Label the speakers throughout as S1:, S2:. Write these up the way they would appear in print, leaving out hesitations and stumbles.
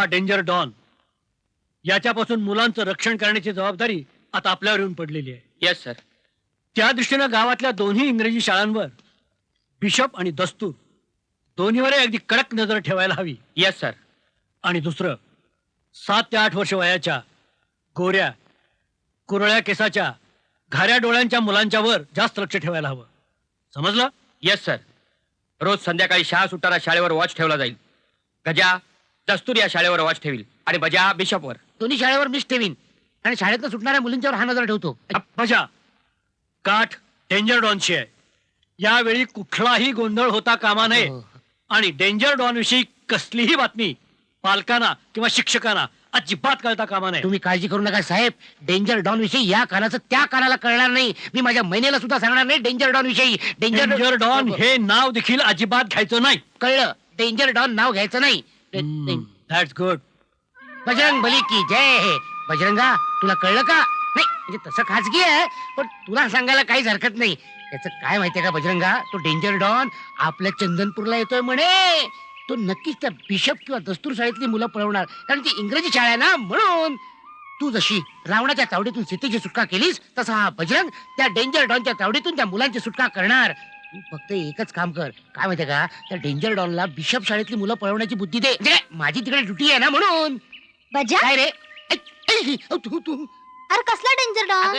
S1: हा danger don, याच्यापासून मुलांचं रक्षण करण्याची जबाबदारी आता आपल्यावर येऊन पडलेली आहे.
S2: Yes sir.
S1: त्या दृष्टीनं गावातल्या दोन्ही इंग्रजी शाळांवर बिशप आणि दस्तूर दोन्हीवर अगदी कडक नजर ठेवायला हवी.
S2: Yes sir.
S1: आणि दुसरं, 7 ते 8 वर्ष वयाच्या गोऱ्या कुरळ्या केसाच्या घाऱ्या डोळ्यांच्या मुलांच्या वर जास्त लक्ष ठेवायला हवं. समजलं?
S2: Yes sir. रोज संध्याकाळी शाळा सुटताना शाळेवर वॉच ठेवला जाईल. गजा दस्तूर या शाळेवर वॉच ठेवील आणि बजा बिशपवर.
S3: दोन्ही शाळेवर मीच ठेवीन आणि शाळेतनं सुटणाऱ्या मुलींच्यावर हा नजर ठेवतो.
S1: बजा काठ डेंजर डॉनची आहे. यावेळी कुठलाही गोंधळ होता कामा नये. आणि डेंजर डॉन विषयी कसलीही बातमी पालकांना किंवा शिक्षकांना अजिबात कळता कामा नये.
S3: तुम्ही काळजी करू नका साहेब. डेंजर डॉन विषयी या कानाचं त्या कानाला कळणार नाही. मी माझ्या महिनेला सुद्धा सांगणार नाही डेंजर डॉन विषयी.
S1: डेंजर डॉन हे नाव देखील अजिबात घ्यायचं नाही.
S3: कळलं? डेंजर डॉन नाव घ्यायचं नाही.
S1: That's good.
S3: बजरंग बली की जय. बजरंगा, तुला कळलं का? नाही म्हणजे तसं खाजगी आहे, पण तुला सांगायला काहीच हरकत नाही. त्याचं काय माहितीये का बजरंगा, तो डेंजर डॉन आपल्या चंदनपूरला येतोय म्हणे. तो नक्कीच त्या बिशप किंवा दस्तूर शाळेतली मुलं पळवणार, कारण ती इंग्रजी शाळा आहे ना. म्हणून तू जशी रावणाच्या तावडीतून सीतेची सुटका केलीस, तसा हा बजरंग त्या डेंजर डॉनच्या तावडीतून त्या मुलांची सुटका करणार. तू फक्त एकच काम कर, काय माहितीये का, त्या डेंजर डॉनला बिशप शाळेतली मुलं पळवण्याची बुद्धी दे. म्हणजे माझी तिकडे ड्युटी आहे ना म्हणून.
S4: बजा,
S3: काय रे? तू तू
S4: अरे कसला डेंजर डॉन?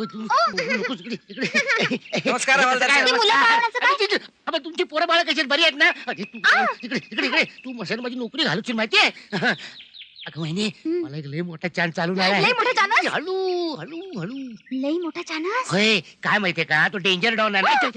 S3: नमस्कार.
S4: ती मुलं पळवण्याचं काय?
S3: अबे तुमची पोरं बाळा कशी आहेत? बरी आहेत ना? इकडे इकडे इकडे तू मशाल माझी नोकरी घालूची माहितीये. अगं महिने, मला एक लय मोठा चान्स चालू
S4: लय मोठा चानस?
S3: हळू हळू हळू.
S4: लई मोठा चानस?
S3: होय, काय माहितीये का, तो डेंजर डॉन आहे.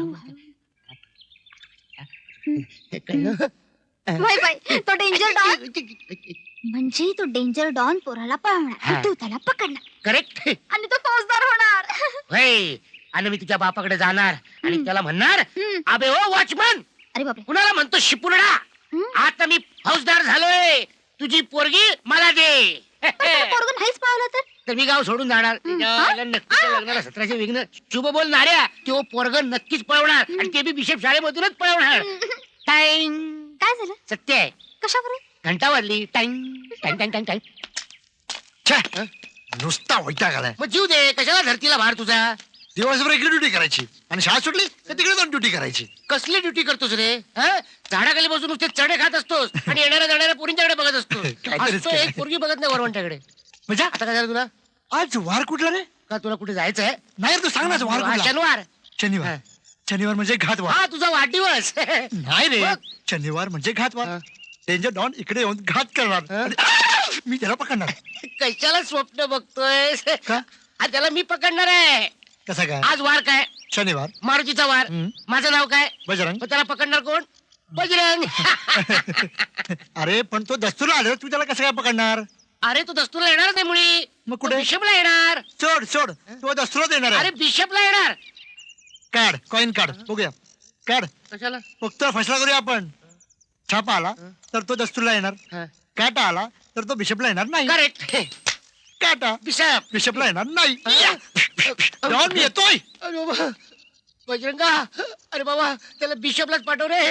S3: कळलं?
S4: बाय बाय, तो डेंजर डॉन म्हणजे तो डेंजर डॉन पोराला पळवणार आणि तू त्याला पकडणार
S3: करेक्ट.
S4: आणि तो फौजदार होणार.
S3: होय, आणि मी तुझ्या बापाकडे जाणार आणि त्याला म्हणणार,
S4: हम्म.
S3: अबे ओ वॉचमन,
S4: अरे बापरे.
S3: कुणाला म्हणतो शिपुर्डा, आता मी फौजदार झालोय, तुझी पोरगी मला दे.
S4: पण त्याला पोरगं नाहीच पावलं तर?
S3: तर मी गाव सोडून जाणार. नक्कीच लग्नाला 1700 विघ्न. शुभ बोल नाऱ्या, तो पोरग नक्कीच पळवणार आणि ते बी बिशप शाळेमधूनच पळवणार. टाइम.
S4: काय झालं?
S3: सत्य आहे.
S4: कशावरून?
S3: घंटा वाजली. Time time time time time.
S5: नुसता वैताग आलाय.
S3: मग जीव दे, कशाला धरतीला भार तुझा.
S5: दिवसभर इकडे ड्युटी करायची आणि शाळा सुटली तर तिकडे जाऊन ड्युटी करायची.
S3: कसली ड्युटी करतोस रे? झाडाखाली बसून नुसते चढे खात असतोस आणि येणाऱ्या जाणाऱ्या पोरींच्याकडे बघत असतो.
S5: काहीतरीच
S3: असतो एक पोरगी बघत नाही वरवंट्याकडे.
S5: म्हणजे
S3: आता काय झालं तुला?
S5: आज वार कुठला रे?
S3: का तुला कुठे जायचंय?
S5: नाही रे, तू सांग ना, आज वार
S3: हा,
S5: कुठला?
S3: शनिवार.
S5: शनिवार. शनिवार म्हणजे घातवार.
S3: हा तुझा वाढदिवस.
S5: नाही रे,
S3: बघ.
S5: शनिवार म्हणजे घातवार.
S3: हा.
S5: डेंजर डॉन इकडे येऊन घात करणार आणि मी त्याला पकडणार.
S3: कशाला स्वप्न बघतोय?
S5: का?
S3: आज त्याला मी पकडणार आहे.
S5: कसा काय?
S3: आज वार काय?
S5: शनिवार.
S3: मारुतीचा वार. माझं नाव काय?
S5: बजरंग.
S3: मग त्याला पकडणार कोण? बजरंग.
S5: अरे पण तो दस्तूर आला, तू त्याला कसं काय पकडणार?
S3: अरे तू दस्तूरला येणार नाही मुळी.
S5: मग कुठे?
S3: बिशपला येणार.
S5: सोड सोड, तो दस्तूरच येणार
S3: अरे
S5: आहे.
S3: बिशपला येणार.
S5: काढ कॉइन, काढ बघूया. काढ.
S3: कशाला?
S5: फक्त फसला करूया आपण. छापा आला तर तो दस्तूरला येणार, काटा आला तर तो बिशपला येणार नाही.
S3: करेक्ट.
S5: काटा
S3: बिशप.
S5: बिशपला येणार नाही. डॉन मी येतोय.
S3: अरे बाबा बजरंगा, अरे बाबा त्याला बिशपलाच पाठव रे.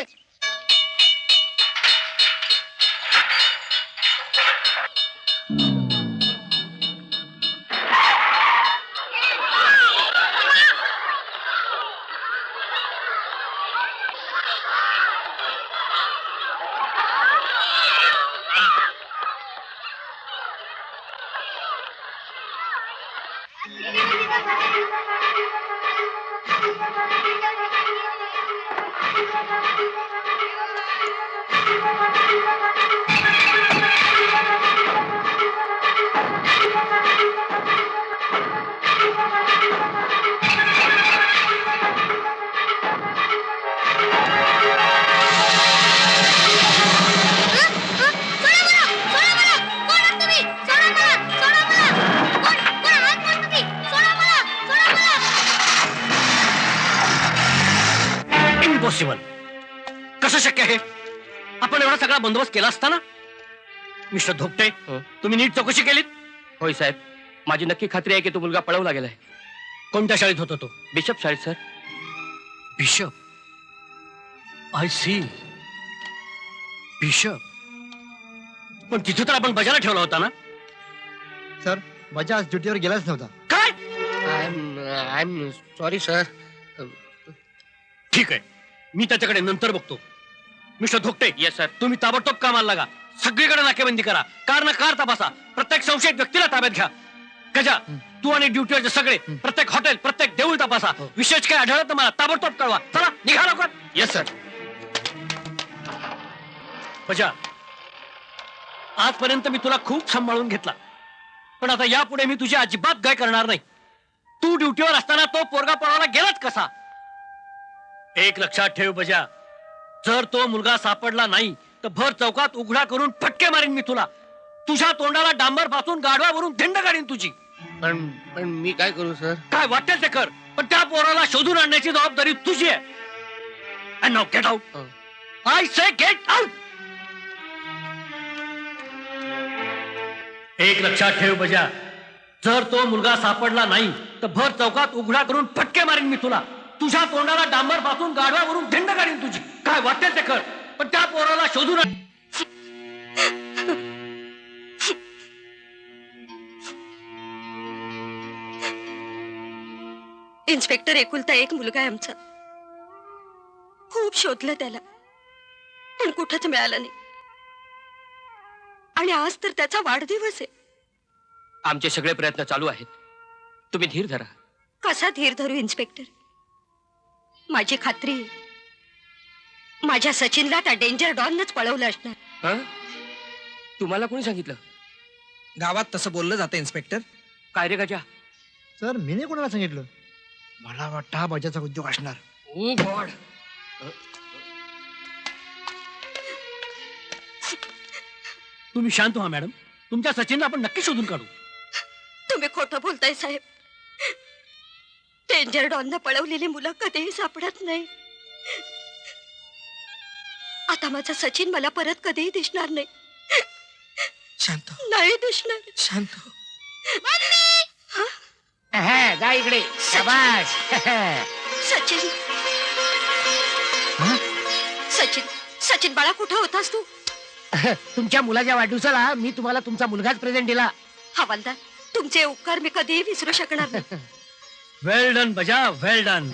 S1: इम्पॉसिबल. कसं शक्य आहे? आपण एवढा सगळा बंदोबस्त केला असताना? मिस्टर धोपटे, तुम्ही नीट चौकशी केलीत?
S2: होय साहेब, माझी नक्की खात्री आहे की तो मुलगा पळवला गेलाय.
S1: कोणत्या शाळेत होता तो?
S2: बिशप शाळेत sir.
S1: Bishop. I see. Bishop. पण तिथे तर आपण बजाला ठेवला होता ना.
S5: सर माझ्या आज ड्युटीवर गेलाच नव्हता.
S1: काय?
S3: I am sorry sir.
S1: ठीक आहे, मी त्याच्याकडे नंतर बघतो. Mister Dhokte,
S2: yes sir.
S1: तुम्ही ताबडतोब कामाला लागा. सगळीकडे नाकेबंदी करा, कार ना कार तपासा, प्रत्येक संशयित व्यक्तीला ताब्यात घ्या. गजा, तू आणि ड्युटीवरचे सगळे प्रत्येक हॉटेल, प्रत्येक देऊळ तपासा. विशेष काय आढळलं तर मला ताबडतोब कळवा. चला निघा लवकर.
S2: Yes sir.
S1: बजा, आजपर्यंत मी तुला खूप सांभाळून घेतला, पण आता यापुढे मी तुझी अजिबात गाय करणार नाही. तू ड्युटीवर असताना तो पोरगा पळायला गेलाच कसा? एक लक्षात ठेव बजा, जर तो मुलगा सापडला नाही तर भर चौकात उघडा करून फटके मारीन मी तुला. तुझ्या तोंडाला डांबर पासून गाढवावरून धिंड काढीन तुझी.
S3: पण पण मी काय करू सर?
S1: काय वाटेल ते कर, पण त्या पोराला शोधून आणण्याची जबाबदारी तुझी आहे. And now get out. I say get out. एक लक्षात ठेव बजा, जर तो मुलगा सापडला नाही तर भर चौकात उघडा करून फटके मारीन मी तुला. तुझ्या तोंडाला डांबर पासून गाढवावरून धिंड काढीन तुझी. काय वाटेल ते कर, पण त्या पोराला शोधून आण.
S6: इन्स्पेक्टर एकुलता एक मुलगा आहे आमचा. खूप शोधलं त्याला, पण कुठंच मिळालं नाही. आणि आज तर त्याचा वाढदिवस आहे.
S2: आमचे सगळे प्रयत्न चालू आहेत, तुम्ही धीर धरा.
S6: कसा धीर धरू इन्स्पेक्टर? माझी खात्री आहे, माझ्या सचिनला त्या डेंजर डॉनच पळवलं असणार.
S2: हं? तुम्हाला कोणी सांगितलं?
S7: गावात तसं बोललं जातं इन्स्पेक्टर.
S2: काय रे गजा?
S5: सर मी नाही कोणाला सांगितलं. मला वाटतं हा बजाचा उद्योग असणार.
S2: Oh god.
S1: तुम्ही शांत व्हा मॅडम, तुमच्या सचिनला आपण नक्की शोधून काढू.
S6: तुम्ही खोटं बोलताय साहेब. डेंजर डॉननं पळवलेली मुलं कधीही सापडत नाही. आता माझा सचिन मला परत कधीही दिसणार नाही.
S7: शांत हो,
S6: नाही दिसणार.
S7: शांत हो.
S3: जा इकडे. शाबास.
S6: सचिन, सचिन, सचिन बाळा, कुठं होतास तू?
S3: तुमच्या मुलाच्या वाढदिवसाला मी तुम्हाला तुमचा मुलगाच प्रेझेंट दिला.
S6: हवालदार, तुमचे उपकार मी कधीही विसरू शकणार नाही.
S1: वेल डन बजा, वेल डन.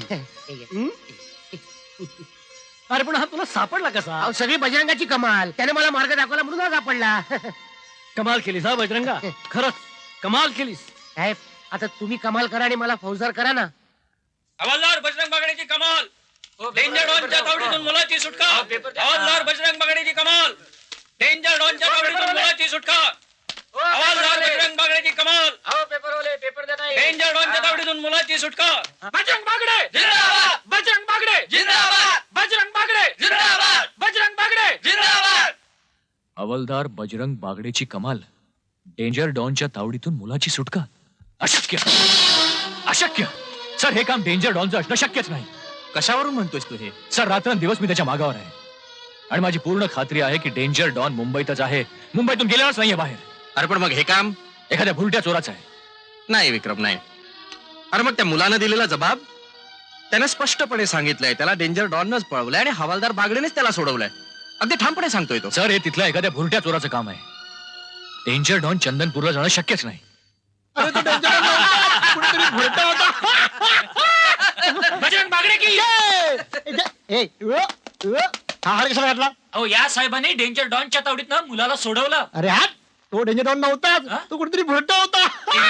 S1: अरे पण हा तुला सापडला कसा?
S3: अहो, सगळी बजरंगाची कमाल. त्याने मला मार्ग दाखवला म्हणून हा सापडला.
S1: कमाल केलीस हा बजरंगा, खरंच कमाल केलीस.
S3: साहेब, आता तुम्ही कमाल करा आणि मला फौजदार करा ना.
S2: हवालदार बजरंग बागडेची कमाल. डेंजर डॉनच्या तावडीतून मुलाची सुटका. हवालदार बजरंग बागडेची कमाल. डेंजर डॉनच्या तावडीतून मुलाची सुटका. हवालदार बजरंग बागडेची कमाल. डेंजर डॉनच्या तावडीतून मुलाची सुटका. बजरंग बागडे जिंदाबाद. बजरंग बागडे जिंदाबाद. बजरंग बागडे जिंदाबाद. बजरंग बागडे जिंदाबाद.
S8: हवालदार बजरंग बागडेची कमाल. डेंजर डॉनच्या तावडीतून मुलाची सुटका. अशक्य, अशक्य. सर, हे काम डेंजर डॉनचं असणं शक्यच नाही.
S7: कशावरून म्हणतोयस तू हे?
S8: सर, रात्रंदिवस मी त्याच्या मागावर आहे आणि माझी पूर्ण खात्री आहे की डेंजर डॉन मुंबईतच आहे. मुंबईतून गेलेलाच नाहीये बाहेर.
S7: अरे पण मग हे काम
S8: एखाद्या भुलट्या चोराचं आहे.
S7: नाही विक्रम, नाही. अरे मग त्या मुलानं दिलेला जबाब त्याने स्पष्टपणे सांगितलंय. त्याला डेंजर डॉनच पळवलंय आणि हवालदार बागडेनेच त्याला सोडवलंय. अगदी ठामपणे सांगतोय तो.
S8: सर, हे तिथल्या एखाद्या भुलट्या चोराचं काम आहे. डेंजर डॉन चंदनपूरला जाणं शक्यच नाही.
S2: बजरंग बागडे की
S5: हा हार कशाला घातला?
S2: अहो, या साहेबांनी डेंजर डॉनच्या तावडीतनं मुलाला सोडवलं.
S5: अरे हा तो डेंजर डॉन नव्हताच, तो कुठेतरी भुरटा होता.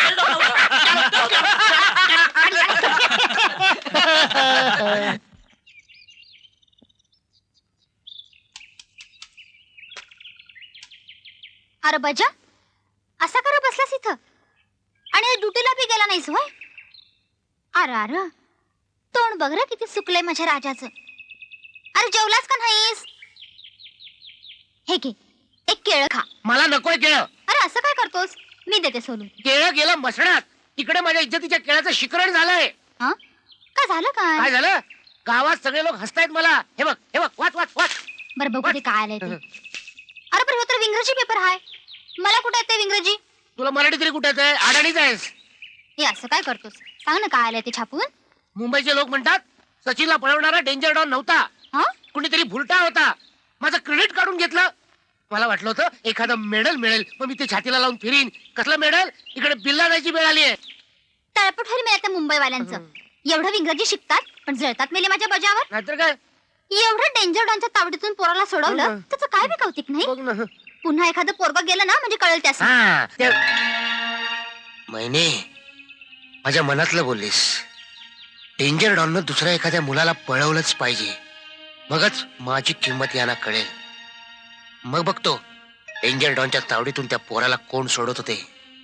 S4: अरे बजा, असा करा बसलास इथं आणि ड्युटीला बी गेला नाहीस होय? अरे अरे, तोंड बघ रे किती सुकलंय माझ्या राजाचं. अरे जेवलास का नाहीस? हे घे, एक केळं खा.
S3: मला नकोय केळं.
S4: अरे असं काय करतोस? मी देते सोलून.
S3: केळं गेलं मसणात. तिकडे माझ्या इज्जतीच्या केळाचं शिकरण झालंय.
S4: हा, काय झालं काय?
S3: काय झालं? गावात सगळे लोक हसतायत मला. हे बघ, हे बघ, वाच वाच वाच.
S4: बरं बघू दे काय आलंय ते. अरे पण हे तर इंग्रजी पेपर आहे. मला कुठे येते इंग्रजी?
S3: तुला मराठी तरी कुठे येतंय? अडाणीच आहेस.
S4: हे असं काय करतोस? सांग ना काय आलंय ते छापून.
S3: मुंबईचे लोक म्हणतात सचिनला पळवणारा डेंजर डॉन नव्हता,
S4: हा,
S3: कुणीतरी भुलटा होता. माझं क्रेडिट काढून घेतलं. मला वाटलं होतं एखादं मेडल मिळेल मग मी ते छातीला लावून फिरीन. कसलं मेडल? इकडे बिल्ला जायची वेळ आली आहे.
S4: तळपट होईल मला त्या मुंबईवाल्यांचं. एवढं इंग्रजी शिकतात पण जळतात मेले माझ्या बजावर.
S3: नाहीतर काय
S4: एवढं डेंजर डॉनच्या तावडीतून पोराला सोडवलं त्याचं काय बी कौतिक नाही.
S3: बघ ना.
S4: पुन्हा एखादं पोरग गेलं ना म्हणजे कळेल त्यास.
S3: हा महिने माझ्या मनातलं बोललीस. डेंजर डॉननं दुसऱ्या एखाद्या मुलाला पळवलंच पाहिजे, मगच माझी किंमत यांना कळेल. मग बघतो डेंजर डॉनच्या तावडीतून त्या पोराला कोण सोडत होते.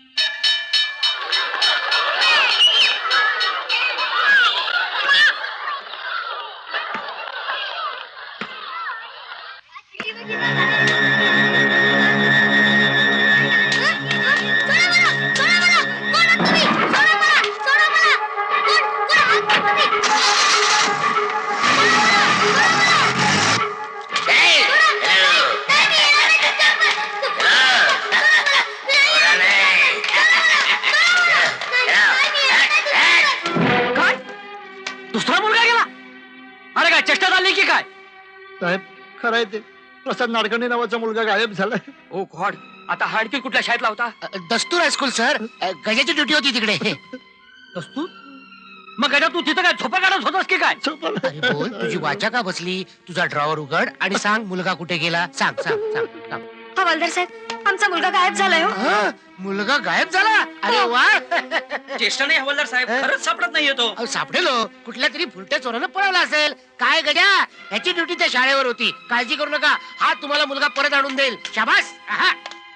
S1: काय दुसरा मुलगा गेला? अरे काय चेष्टा झाली की काय?
S5: साहेब खरंय ते प्रसाद नाडकर्णी नावाचा मुलगा गायब झालाय.
S2: ओ गॉड, आता हा आणखी कुठल्या शाळेतला होता?
S3: दस्तूर हायस्कूल सर. गजाची ड्युटी होती तिकडे.
S1: दस्तूर? मग गजा तू तिथं काय झोपा काढत होतास की काय?
S3: अरे बोल, तुझी वाचा का बसली? तुझा ड्रॉवर उघड आणि सांग मुलगा कुठे गेला. सांग सांग सांग सांग.
S6: हवालदार साहेब, आमचा मुलगा गायब झालाय हो.
S3: हा, मुलगा गायब झाला? अरे वा.
S2: चेष्टा नाही हवालदार साहेब, खरंच सापडत नाहीये तो.
S3: अहो, सापडेलो. कुठल्या तरी फुलट्या चोरानं पळवला असेल. काय गड्या, याची ड्युटी त्या शाळेवर होती. काळजी करू नका, हा तुम्हाला मुलगा परत आणून देईल. शाबास. आहा.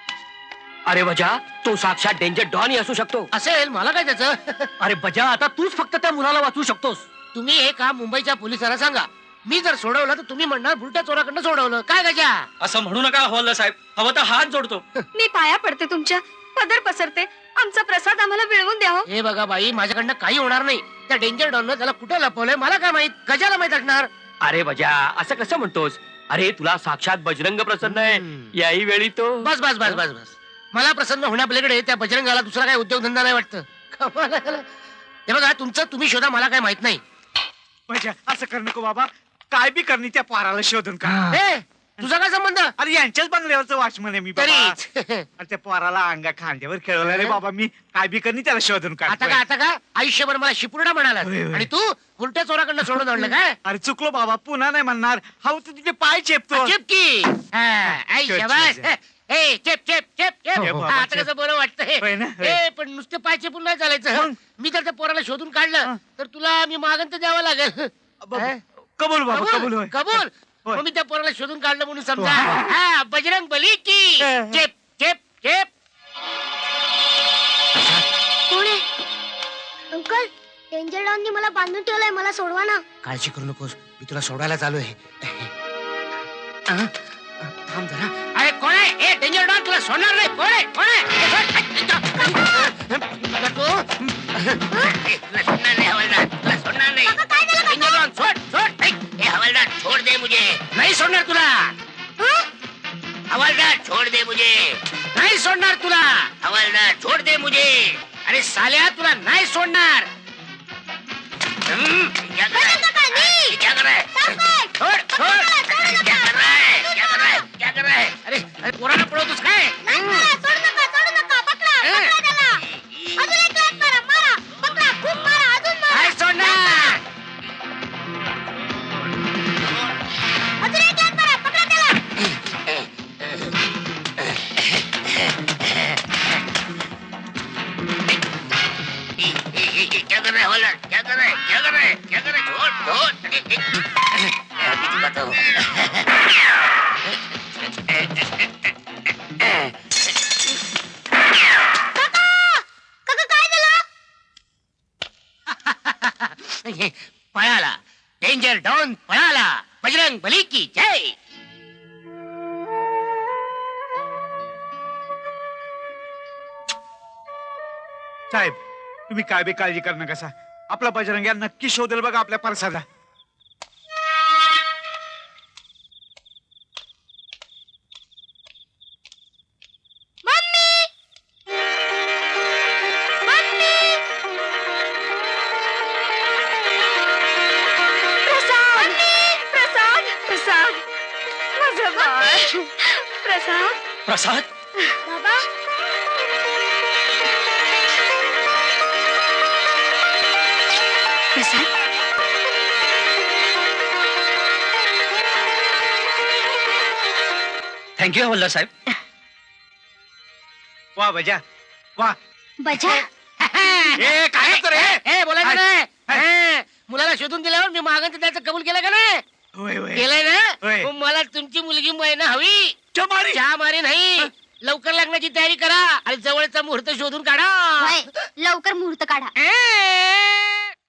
S2: अरे वजा, तो साक्षात डेंजर डॉन असू शकतो.
S3: असेल, मला काय त्याचं.
S1: अरे बजा, आता तूच फक्त त्या मुलाला वाचवू शकतोस.
S3: तुम्ही हे काम मुंबईच्या पोलिसांना सांगा. मी जर सोडवलं तर तुम्ही म्हणणार फुलट्या चोराकडनं सोडवलं. काय गजा?
S2: असं म्हणू नका हवालदार साहेब, हवं तर हात जोडतो.
S6: मी पाया पडते तुमच्या, पदर पसरते. आमचा प्रसाद आम्हाला मिळवून द्या हो.
S3: हे बघा बाई, माझ्याकडनं काही होणार नाही. त्या डेंजर डॉननं त्याला कुठे लपवलंय मला काय माहित. गजाला माहित असणार.
S2: अरे वजा, असं कसं म्हणतोस? अरे तुला साक्षात बजरंग प्रसन्न आहे. याही वेळी तो
S3: बस बस बस बस बस. मला प्रसन्न होण्यापलीकडे त्या बजरंगाला दुसरा काही उद्योगधंदा नाही वाटतं. कमाल आहे. हे बघा, तुमचं तुम्ही शोधा, मला काय माहित नाही.
S5: असं कर नको बाबा. काय बी करणी त्या पाराला शोधून का.
S3: ए, तुझा काय संबंध?
S5: अरे यांच्याच बंगल्यावरचं वॉचमन आहे मी बाबा.
S3: तरीच.
S5: अरे त्या पोराला अंगा खांद्यावर खेळवलं रे बाबा मी. काय बी करणी त्याला शोधून
S3: आता
S5: काढ.
S3: का आता का आयुष्यभर मला शिपुर्डा म्हणाला
S5: होय, होय.
S3: आणि तू उलट्या चोराकडनं सोडून आणलं काय?
S5: अरे चुकलो बाबा, पुन्हा नाही म्हणणार. हा तू तुझे पाय चेपतो.
S3: चिपकी. आई
S5: चल,
S3: शाबास.
S5: चल, चल.
S3: ए, चेप चेप चेप चेप.
S5: चेप बाबा,
S3: हा, आता
S5: चेप.
S3: कसं बरं वाटतंय.
S5: होय ना, होय.
S3: ए, पण नुसते पाय चेपून नाही चालायचं.
S5: मग?
S3: मी जर त्या पोराला शोधून काढलं तर तुला मी मागण तर द्यावं लागेल.
S5: बाबा, कबूल बाबा, कबूल होय.
S3: कबूल.
S5: होय.
S3: मग मी त्या पोराला शोधून काढलं म्हणून समजा.
S5: हो.
S3: हा, बजरंग बली की चेप चेप चेप.
S4: कोण आहे? अंकल, डेंजर डॉननी मला बांधून ठेवलंय, मला सोडवा ना.
S3: काळजी करू नकोस, मी तुला सोडायला चालू आहे. थांब जरा. अरे कोण आहे? ए, डेंजर डॉन, तुला सोडणार नाही. कोण आहे? कोण आहे? तुला सोडणार नाही हवालदार, तुला सोडणार नाही. डेंजर डॉन, सोड सोड. ए, हवालदार, छोड़ दे मुझे. नाही सोडणार तुला. हवालदार, छोड़ दे मुझे. नाही सोडणार तुला. हवालदार, छोड़ दे मुझे. अरे साल्या, तुला नाही सोडणार. क्या कर रहा है? क्या कर रहा है? छोड़ छोड़. क्या कर रहा है? क्या कर रहा है? क्या कर रहा है? अरे अरे पोराला पळवतोस काय? काय सोडणार? क्या कर रहा है हवालदार? क्या कर रहा है? क्या कर रहा है? क्या कर रहा है? छोड़ छोड़. अभी दिखाता हूँ. पळाला. डेंजर डॉन पळाला. बजरंग बली की जय.
S5: साहेब, तुम्ही काय बी काळजी करू नका. आपला बजरंग या नक्की शोधेल बघा आपल्या परसाला.
S6: प्रसाद, प्रसाद, प्रसाद, माझं बाळ. प्रसाद
S1: प्रसाद
S6: बाबा प्रसाद
S2: थँक्यू हवलदार साहेब.
S5: वा बजा वा
S4: बजा
S3: काय बोलायचं नाही मुलाला शोधून दिल्यावर मी मागं त्याचं कबूल केलं का नाही
S5: होय होय
S3: केलंय ना
S5: होय.
S3: मग मला तुमची मुलगी मैना हवी
S5: चमारी.
S3: चहा मारी नाही लवकर लग्नाची तयारी करा आणि जवळचा मुहूर्त शोधून काढा
S4: होय लवकर मुहूर्त काढा
S3: ए!